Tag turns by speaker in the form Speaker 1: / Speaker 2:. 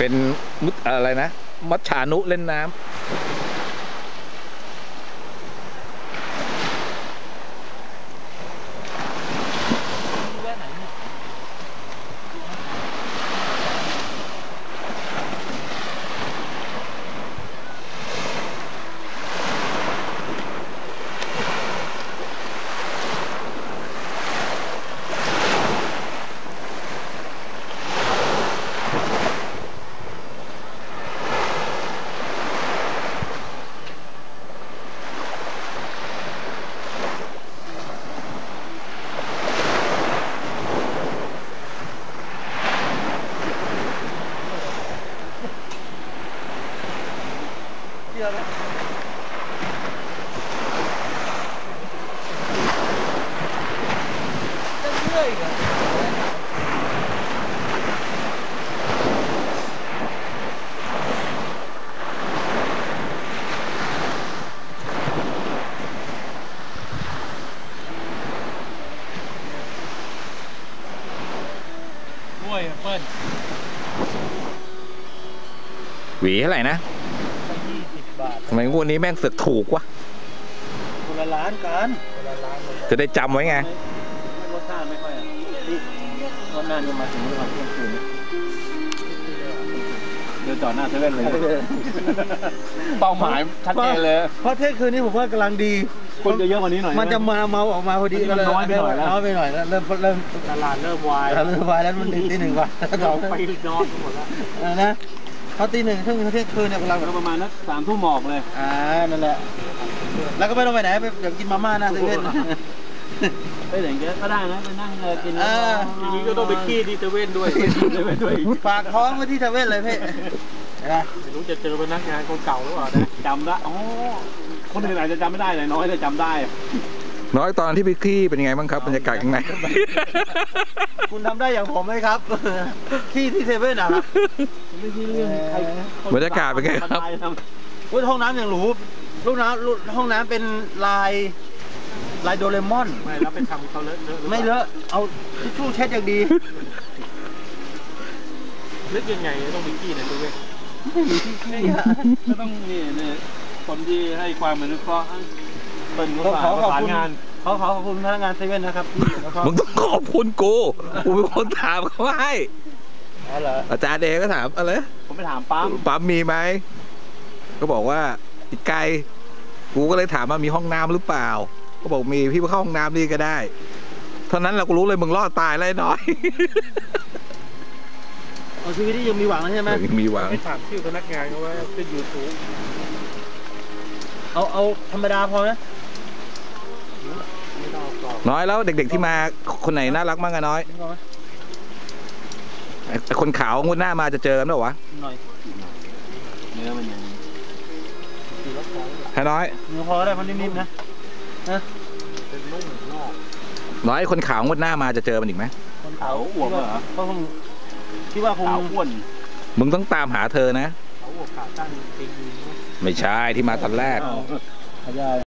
Speaker 1: เป็นอะไรนะมัจฉานุเล่นน้ำหวีเท่าไหร่นะ20 บาททำไมงวดนี้แม่งเสือกถูกวะคนละล้านกันคนละล้านเลยจะได้จำไว้ไงรสชาติไม่ค่อยนี่วันนั้นจะมาถึงวันเที่ยงคืนเดินต่อหน้าเซเว่นเลยเป้าหมายชัดเจนเลยเพราะเที่ยงคืนนี้ผมว่ากำลังดีคนจะเยอะกว่านี้หน่อยมันจะมาเมาออกมาพอดีก็เลยน้อยไปหน่อยแล้วน้อยไปหน่อยแล้วเริ่มตลาดเริ่มวายแล้วมันตีหนึ่งกว่าเราไปนอนหมดแล้วนะเขาตีหนึ่งถึงเที่ยงคืนเนี่ยเราประมาณนัก3 ทุ่มหมอกเลยนั่นแหละแล้วก็ไม่ต้องไปไหนไปเดี๋ยวกินมาม่าหน้าเซเว่นไปไหนก็ได้นะไปนั่งกินอย่างนี้ก็ต้องไปขี้ที่เซเว่นด้วยฝากท้องไว้ที่เซเว่นเลยพี่ไม่รู้จะเจอพนักงานคนเก่าหรือเปล่านะจำได้อ๋อคนอื่นอาจจะจำไม่ได้เลยน้อยแต่จำได้น้อยตอนที่ไปขี้เป็นยังไงบ้างครับบรรยากาศยังไงคุณทำได้อย่างผมไหมครับขี้ที่เซเว่นนะครับไม่ใช่เรื่องใครบรรยากาศเป็นไงครับห้องน้ำอย่างหรูลูกน้ำห้องน้ำเป็นลายโดเรมอนไม่แล้วเป็นทำเขาเลอะไม่เลอะเอาทิชชู่เช็ดอย่างดีนึกยังไงต้องมีขี้ในตัวเองไม่มีที่ขี้ก็ต้องนี่คนที่ให้ความอนุเคราะห์เป็นผู้ประสานงานขอบคุณพนักงานเซเว่นนะครับมึงต้องขอบคุณกูเป็นคนถามเขาให้อาจารย์เดก็ถามอะไรผมไปถามปั๊มมีไหมก็บอกว่าอีกไกลกูก็เลยถามว่ามีห้องน้ำหรือเปล่าก็บอกมีพี่ไปเข้าห้องน้ำนี่ก็ได้เท่านั้นเราก็รู้เลยมึงรอดตายแล้วน้อยชีวิตที่ยังมีหวังใช่ไหมยังมีหวังไม่ถามชื่อพนักงานเขาว่าเป็นยูทูบเอาธรรมดาพอไหมน้อยแล้วเด็กๆที่มาคนไหนน่ารักมากอะน้อยคนขาวงวดหน้ามาจะเจอกันหรอวะเนื้อมันยังให้น้อยเนื้อพอได้มันนิ่มๆนะเป็นนุ่มนอกน้อยคนขาวงวดหน้ามาจะเจอมันอีกไหมคนขาวอ้วนเหรอเขาคงคิดว่าคงอ้วนมึงต้องตามหาเธอนะเขาอ้วนขาตั้งจริงไม่ใช่ที่มาตอนแรก